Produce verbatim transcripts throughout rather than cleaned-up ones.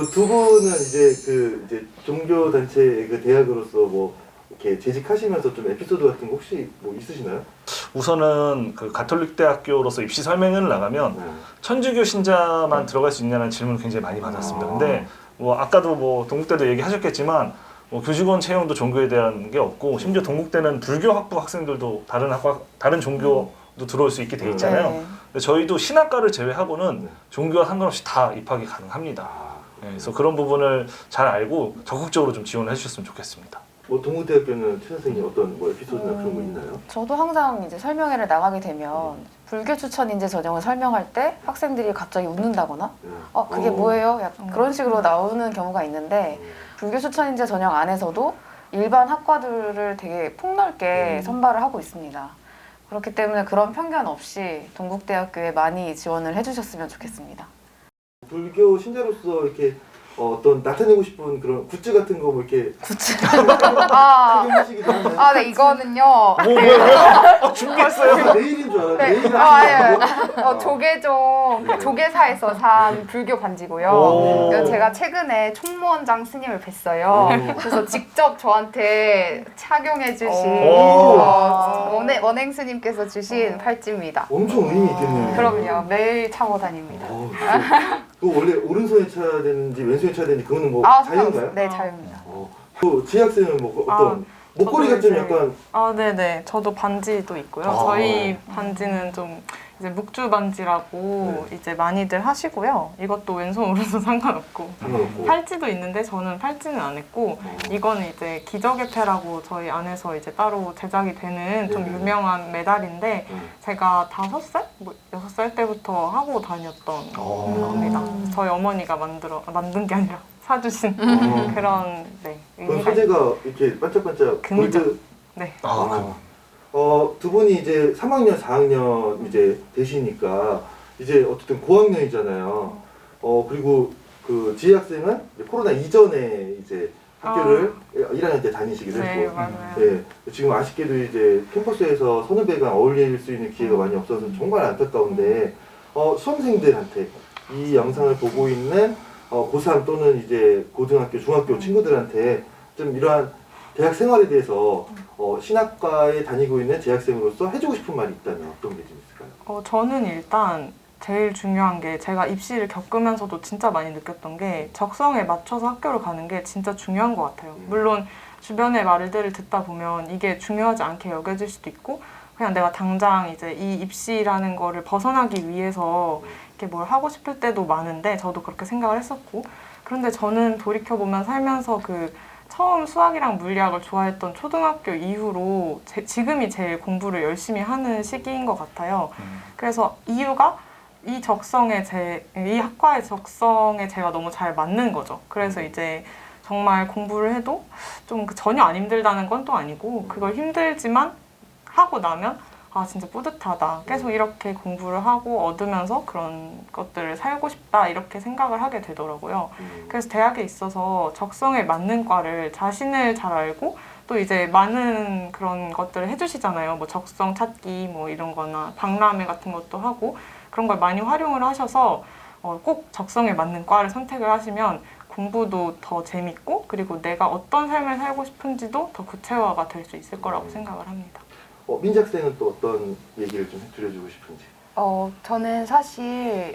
뭐 두 분은 이제 그 이제 종교 단체 그 대학으로서 뭐 이렇게 재직하시면서 좀 에피소드 같은 거 혹시 뭐 있으시나요? 우선은 그 가톨릭 대학교로서 입시 설명회를 나가면 네. 천주교 신자만 들어갈 수 있냐는 질문을 굉장히 많이 받았습니다. 아. 근데 뭐 아까도 뭐 동국대도 얘기하셨겠지만 뭐 교직원 채용도 종교에 대한 게 없고 심지어 동국대는 불교 학부 학생들도 다른 학과 다른 종교도 들어올 수 있게 돼 있잖아요. 네. 근데 저희도 신학과를 제외하고는 네. 종교와 상관없이 다 입학이 가능합니다. 아, 네, 그래서 그런 부분을 잘 알고 적극적으로 좀 지원을 해주셨으면 좋겠습니다. 뭐 동국대학교는 최 선생님 어떤 뭐 에피소드나 그런 거 음, 있나요? 저도 항상 이제 설명회를 나가게 되면 불교 추천 인재 전형을 설명할 때 학생들이 갑자기 웃는다거나 네. 어 그게 어. 뭐예요? 약간 그런 식으로 나오는 경우가 있는데 음. 불교 추천 인재 전형 안에서도 일반 학과들을 되게 폭넓게 음. 선발을 하고 있습니다. 그렇기 때문에 그런 편견 없이 동국대학교에 많이 지원을 해주셨으면 좋겠습니다. 불교 신자로서 이렇게 어, 어떤 나타내고 싶은 그런 굿즈 같은 거 뭐 이렇게 굿즈. 아, 착용하시기도 하나요? 아, 네, 이거는요. 뭐 뭐야? 아, 준비했어요. 내일인 줄 알았는데 네. 내일은 아, 예. 하시는 어, 조계종 네. 조계사에서 산 불교 반지고요. 오. 그래서 제가 최근에 총무원장 스님을 뵀어요. 오. 그래서 직접 저한테 착용해 주신 오. 어, 원행, 원행 스님께서 주신 팔찌입니다. 엄청 의미 있겠네요. 그럼요. 매일 차고 다닙니다. 어, 진짜. 그거 원래 오른손에 쳐야 되는지 왼손에 쳐야 되는지 그거는 뭐 아, 자유인가요? 상관없어요. 네, 자유입니다. 어. 그 지학생은 뭐 어떤 목걸이가 저도 좀 이제- 약간 아, 네네. 저도 반지도 있고요. 아. 저희 반지는 좀 이제 묵주 반지라고 네. 이제 많이들 하시고요. 이것도 왼손 오른손 상관없고. 상관없고. 팔찌도 있는데 저는 팔찌는 안 했고 어. 이거는 이제 기적의 패라고 저희 안에서 이제 따로 제작이 되는 좀 네네. 유명한 메달인데 음. 제가 다섯 살? 뭐 여섯 살 때부터 하고 다녔던 어. 겁니다. 저희 어머니가 만들어 아, 만든 게 아니라 사주신 어. 그런 네 그럼 의미가 소재가 이렇게 반짝반짝 금이죠. 골드. 네. 아, 어. 어, 두 분이 이제 삼 학년, 사 학년 이제 되시니까 이제 어쨌든 고학년이잖아요. 어, 그리고 그 지혜 학생은 이제 코로나 이전에 이제 학교를 일 학년 때 다니시기도 네, 했고. 맞아요. 네, 지금 아쉽게도 이제 캠퍼스에서 선후배가 어울릴 수 있는 기회가 많이 없어서 정말 안타까운데 어, 수험생들한테 이 영상을 보고 있는 어, 고삼 또는 이제 고등학교, 중학교 친구들한테 좀 이러한 대학 생활에 대해서 어, 신학과에 다니고 있는 재학생으로서 해주고 싶은 말이 있다면 어떤 게 좀 있을까요? 어, 저는 일단 제일 중요한 게 제가 입시를 겪으면서도 진짜 많이 느꼈던 게 적성에 맞춰서 학교를 가는 게 진짜 중요한 것 같아요. 음. 물론 주변의 말들을 듣다 보면 이게 중요하지 않게 여겨질 수도 있고 그냥 내가 당장 이제 이 입시라는 거를 벗어나기 위해서 이렇게 뭘 하고 싶을 때도 많은데 저도 그렇게 생각을 했었고 그런데 저는 돌이켜보면 살면서 그 처음 수학이랑 물리학을 좋아했던 초등학교 이후로 제, 지금이 제일 공부를 열심히 하는 시기인 것 같아요. 음. 그래서 이유가 이 적성에 제, 이 학과의 적성에 제가 너무 잘 맞는 거죠. 그래서 이제 정말 공부를 해도 좀 전혀 안 힘들다는 건 또 아니고 그걸 힘들지만 하고 나면 아 진짜 뿌듯하다. 계속 이렇게 공부를 하고 얻으면서 그런 것들을 살고 싶다 이렇게 생각을 하게 되더라고요. 음. 그래서 대학에 있어서 적성에 맞는 과를 자신을 잘 알고 또 이제 많은 그런 것들을 해주시잖아요. 뭐 적성 찾기 뭐 이런 거나 박람회 같은 것도 하고 그런 걸 많이 활용을 하셔서 어, 꼭 적성에 맞는 과를 선택을 하시면 공부도 더 재밌고 그리고 내가 어떤 삶을 살고 싶은지도 더 구체화가 될 수 있을 거라고 생각을 합니다. 어, 민작생은 또 어떤 얘기를 좀 해드려주고 싶은지. 어, 저는 사실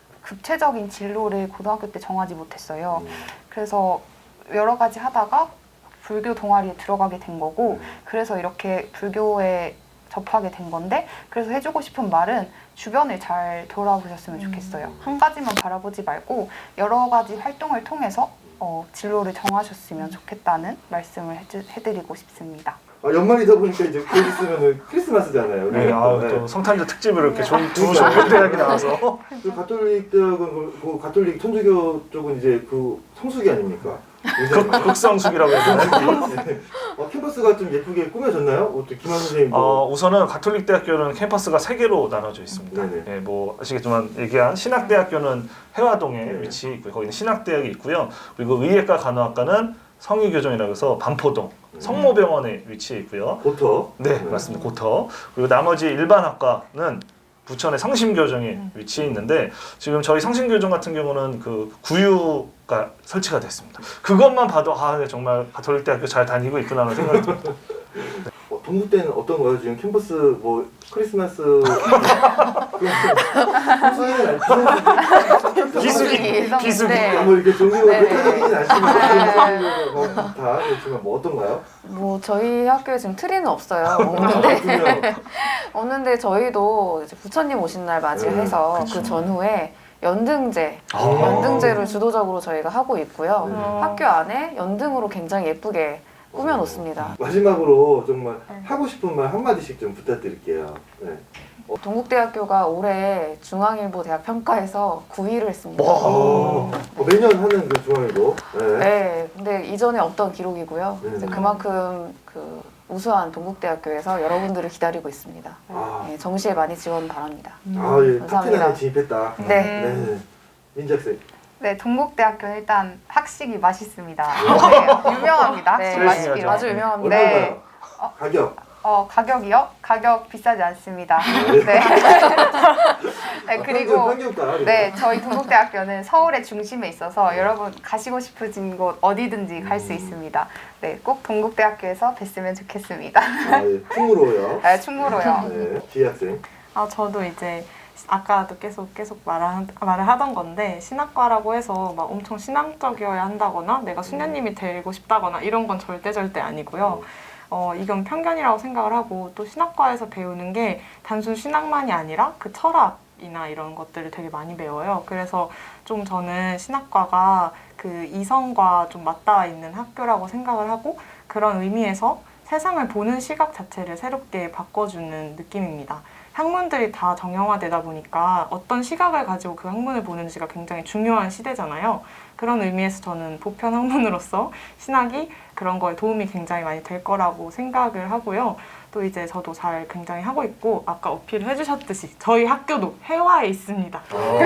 구체적인 진로를 고등학교 때 정하지 못했어요. 음. 그래서 여러 가지 하다가 불교 동아리에 들어가게 된 거고 음. 그래서 이렇게 불교에 접하게 된 건데 그래서 해주고 싶은 말은 주변을 잘 돌아보셨으면 좋겠어요. 음. 한 가지만 바라보지 말고 여러 가지 활동을 통해서 어, 진로를 정하셨으면 좋겠다는 말씀을 해주, 해드리고 싶습니다. 아, 연말이다 보니까 이제 곧 있으면은 크리스마스잖아요. 네, 아, 네. 또 성탄절 특집으로 이렇게 좋은 두 그러니까. 좋은 대학이 나와서 그 가톨릭 대학은 그, 그 가톨릭 천주교 쪽은 이제 그 성수기 아닙니까? 극, 극성숙이라고 해야 되나요? 네. 어, 캠퍼스가 좀 예쁘게 꾸며졌나요? 어떻게 김한 선생님 뭐 어, 우선은 가톨릭 대학교는 캠퍼스가 세 개로 나눠져 있습니다. 네네. 예, 뭐 아시겠지만 얘기한 신학대학교는 해화동에 네. 위치해 있고요. 거기는 신학대학이 있고요. 그리고 의예과 간호학과는 성의교정이라고 해서 반포동 성모병원에 위치해 있고요. 고터. 네, 맞습니다. 고터. 그리고 나머지 일반 학과는 부천의 성심교정에 위치해 있는데 지금 저희 성심교정 같은 경우는 그 구유가 설치가 됐습니다. 그것만 봐도 아 정말 가톨릭 대학교 잘 다니고 있구나라는 생각이 듭니다. 어, 동국대는 어떤가요? 지금 캠퍼스 뭐 크리스마스 비수기 비수기 네. 뭐 이렇게 종교가 네. 흩어지진 않지만 뭐다 그렇지만 뭐 어떤가요? 뭐 저희 학교에 지금 트리는 없어요. 없는데 그렇군요. 없는데 저희도 이제 부처님 오신 날 맞이해서 네, 그쵸. 그 전후에 연등제, 아. 연등제를 주도적으로 저희가 하고 있고요. 네. 학교 안에 연등으로 굉장히 예쁘게 꾸며놓습니다. 마지막으로 정말 네. 하고 싶은 말 한마디씩 좀 부탁드릴게요. 네. 동국대학교가 올해 중앙일보 대학 평가에서 구 위를 했습니다. 와. 어, 어, 매년 하는 그 중앙일보. 네. 네, 근데 이전에 없던 기록이고요. 네. 이제 그만큼 그 우수한 동국대학교에서 여러분들을 기다리고 있습니다. 아, 네, 정시에 많이 지원 바랍니다. 아 예, 감사합니다. 탑텐에 진입했다. 네. 네. 민작생. 네, 동국대학교는 일단 학식이 맛있습니다. 네, 유명합니다. 학식 네, 맛있기로. 아주 유명합니다. 네. 얼마인가요? 가격. 어, 가격이요? 가격 비싸지 않습니다. 네. 네. 네, 아, 그리고 평균가. 네, 저희 동국대학교는 서울의 중심에 있어서 여러분 가시고 싶으신 곳 어디든지 갈 수 있습니다. 네, 꼭 동국대학교에서 뵀으면 좋겠습니다. 아, 예, 풍무로요. 네, 충무로요. 네. 지학생. 아 저도 이제 아까도 계속 계속 말을, 말을 하던 건데 신학과라고 해서 막 엄청 신앙적이어야 한다거나 내가 수녀님이 되고 싶다거나 이런 건 절대 절대 아니고요. 어, 이건 편견이라고 생각을 하고 또 신학과에서 배우는 게 단순 신학만이 아니라 그 철학이나 이런 것들을 되게 많이 배워요. 그래서 좀 저는 신학과가 그 이성과 좀 맞닿아 있는 학교라고 생각을 하고 그런 의미에서 세상을 보는 시각 자체를 새롭게 바꿔주는 느낌입니다. 학문들이 다 정형화되다 보니까 어떤 시각을 가지고 그 학문을 보는지가 굉장히 중요한 시대잖아요. 그런 의미에서 저는 보편 학문으로서 신학이 그런 거에 도움이 굉장히 많이 될 거라고 생각을 하고요. 또 이제 저도 잘 굉장히 하고 있고 아까 어필을 해주셨듯이 저희 학교도 해화에 있습니다.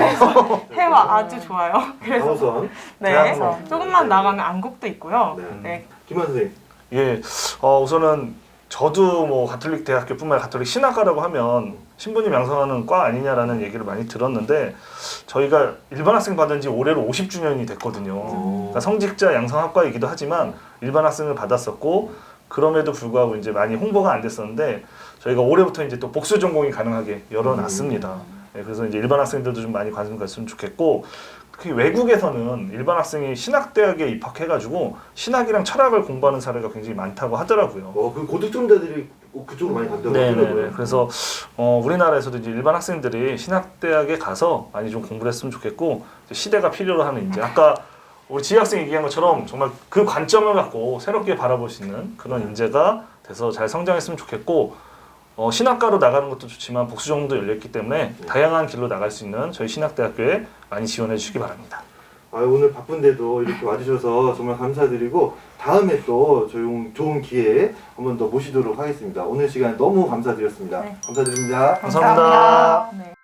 그래서 해화 아주 좋아요. 그래서 강호선. 네, 대학원. 조금만 나가면 안국도 있고요. 네. 네, 김환 선생님. 예, 어, 우선은 저도 뭐 가톨릭 대학교뿐만 아니라 가톨릭 신학과라고 하면 신부님 양성하는 과 아니냐라는 얘기를 많이 들었는데 저희가 일반 학생 받은 지 올해로 오십 주년이 됐거든요. 그러니까 성직자 양성학과이기도 하지만 일반 학생을 받았었고 그럼에도 불구하고 이제 많이 홍보가 안 됐었는데 저희가 올해부터 이제 또 복수 전공이 가능하게 열어놨습니다. 네, 그래서 이제 일반 학생들도 좀 많이 관심 가졌으면 좋겠고 특히 외국에서는 일반 학생이 신학대학에 입학해가지고 신학이랑 철학을 공부하는 사례가 굉장히 많다고 하더라고요. 어, 그 고득점자들이 그쪽으로 많이 간다고 네네네. 하더라고요. 그래서 어, 우리나라에서도 이제 일반 학생들이 신학대학에 가서 많이 좀 공부를 했으면 좋겠고 이제 시대가 필요로 하는 이제 아까 우리 지혜 학생 얘기한 것처럼 정말 그 관점을 갖고 새롭게 바라볼 수 있는 그런 인재가 돼서 잘 성장했으면 좋겠고 어, 신학과로 나가는 것도 좋지만 복수전공도 열렸기 때문에 다양한 길로 나갈 수 있는 저희 신학대학교에 많이 지원해 주시기 바랍니다. 아, 오늘 바쁜데도 이렇게 와주셔서 정말 감사드리고 다음에 또 좋은, 좋은 기회에 한 번 더 모시도록 하겠습니다. 오늘 시간 너무 감사드렸습니다. 네. 감사드립니다. 감사합니다. 네.